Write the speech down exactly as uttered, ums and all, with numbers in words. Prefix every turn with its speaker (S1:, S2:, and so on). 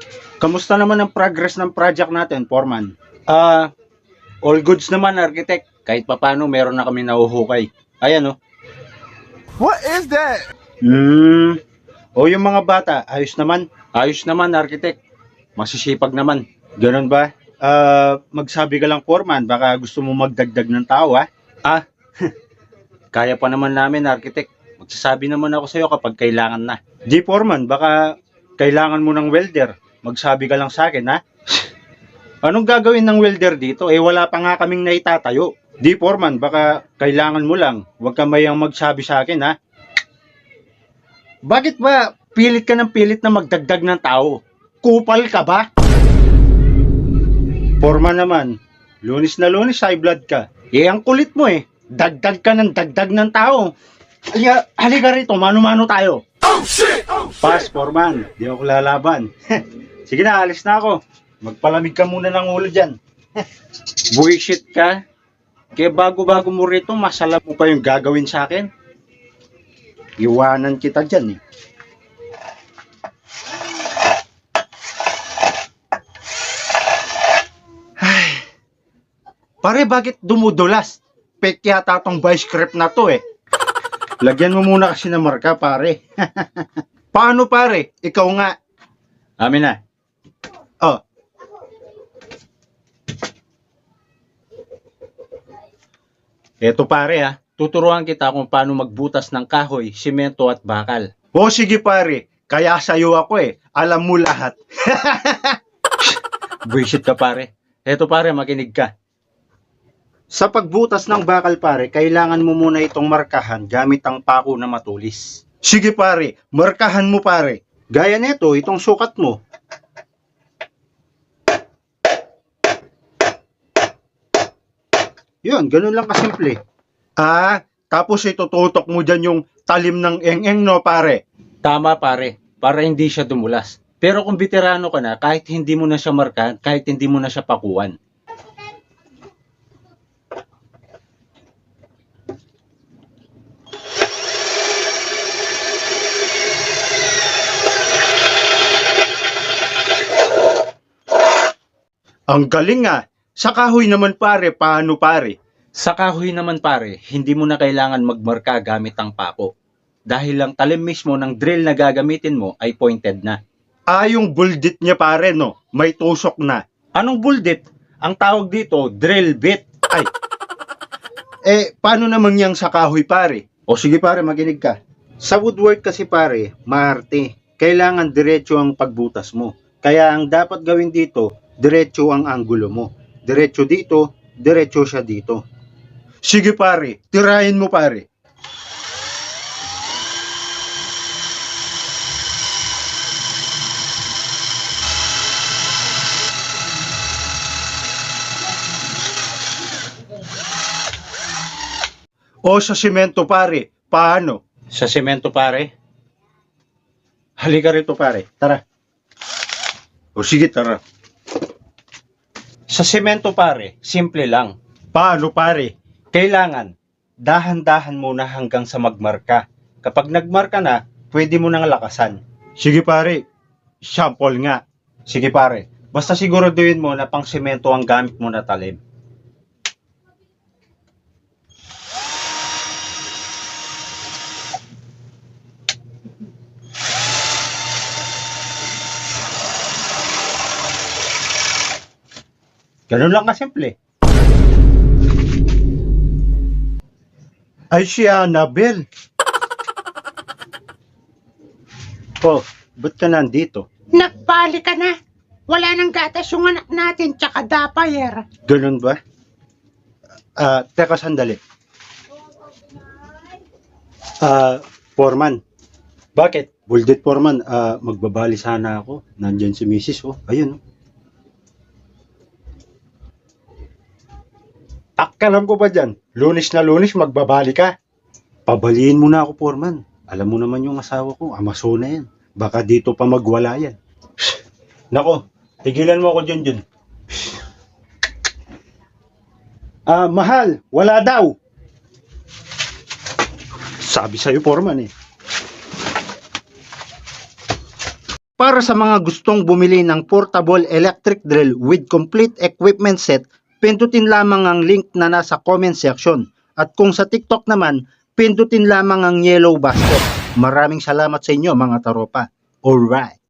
S1: Kamusta naman ang progress ng project natin, Foreman? Ah, all goods naman, architect. Kahit papano meron na kami nahuhukay. Ayan, oh.
S2: What is that?
S1: Hmm. O yung mga bata, ayos naman. Ayos naman, architect. Masisipag naman. Ganun ba? Ah, magsabi ka lang, Foreman. Baka gusto mo magdagdag ng tao, ha? Ah, kaya pa naman namin, architect. Magsasabi naman ako sa'yo kapag kailangan na. Di, Foreman. Baka kailangan mo ng welder. Magsabi ka lang sa akin, ha? Anong gagawin ng welder dito? Eh, wala pa nga kaming naitatayo. Di, Foreman. Baka kailangan mo lang. Huwag ka mayang magsabi sa akin, ha? Bakit ba pilit ka ng pilit na magdagdag ng tao? Kupal ka ba? Foreman naman. Lunis na lunis, high blood ka. Eh, ang kulit mo eh. Dagdag ka ng dagdag ng tao. Halika, halika rito, mano-mano tayo.
S2: Oh shit! Oh shit!
S1: Pass, Foreman. Di ako lalaban. Sige na, alis na ako. Magpalamig ka muna ng ulo dyan. Bullshit ka. Kaya bago-bago mo rito, masala mo pa yung gagawin sa akin. Iwanan kita dyan eh. Ay. Pare, bakit dumudulas? Fake yata tong vice script na to eh. Lagyan mo muna kasi ng marka, pare. Paano, pare? Ikaw nga. Amin na. Oh. Eto, pare, ha. Tuturuan kita kung paano magbutas ng kahoy, simento at bakal. O sige, pare. Kaya sa'yo ako eh. Alam mo lahat. Bullshit ka, pare. Eto, pare, makinig ka. Sa pagbutas ng bakal, pare, kailangan mo muna itong markahan gamit ang pako na matulis. Sige, pare. Markahan mo, pare. Gaya nito, itong sukat mo. Yun, ganun lang kasimple. Ah, tapos itututok mo dyan yung talim ng eng-eng, no, pare? Tama, pare. Para hindi siya dumulas. Pero kung veterano ka na, kahit hindi mo na siya markahan, kahit hindi mo na siya pakuan. Ang galing ah. Sa kahoy naman, pare, paano, pare? Sa kahoy naman, pare, hindi mo na kailangan magmarka gamit ang pako. Dahil lang talim mismo ng drill na gagamitin mo ay pointed na. Ah, yung bulldit niya, pare, no? May tusok na. Anong bulldit? Ang tawag dito, drill bit. Ay. Eh, paano naman yang sa kahoy, pare? O sige, pare, makinig ka. Sa woodwork kasi, pare, maarte. Kailangan diretso ang pagbutas mo. Kaya ang dapat gawin dito, diretso ang anggulo mo. Diretso dito, diretso siya dito. Sige, pare, tirahin mo, pare. O sa semento, pare, paano? Sa semento, pare? Halika rito, pare. Tara. O sige, tara. Sa semento, pare, simple lang. Paano, pare? Kailangan, dahan-dahan muna hanggang sa magmarka. Kapag nagmarka na, pwede mo nang lakasan. Sige, pare. Sample nga. Sige, pare. Basta siguraduhin mo na pang semento ang gamit mo na talim. Ganun lang kasimple. Ay siya, Annabel. Oh, ba't ka nandito?
S3: Nagbalik ka na. Wala nang gatas yung anak natin, tsaka dapayer.
S1: Ganun ba? Ah, teka sandali. Ah, Foreman. Bakit? Bulldit Foreman, ah, magbabali sana ako. Nandyan si Missus oh. Ayun oh. Akkalam ko ba dyan? Lunis na lunis, magbabali ka. Pabaliin mo na ako, Foreman. Alam mo naman yung asawa ko, Amazona yan. Baka dito pa magwala yan. Nako, tigilan mo ako dyan dyan. Ah, mahal, wala daw. Sabi sa'yo, Foreman eh. Para sa mga gustong bumili ng portable electric drill with complete equipment set, pindutin lamang ang link na nasa comment section. At kung sa TikTok naman, pindutin lamang ang yellow basket. Maraming salamat sa inyo mga taropa. Alright.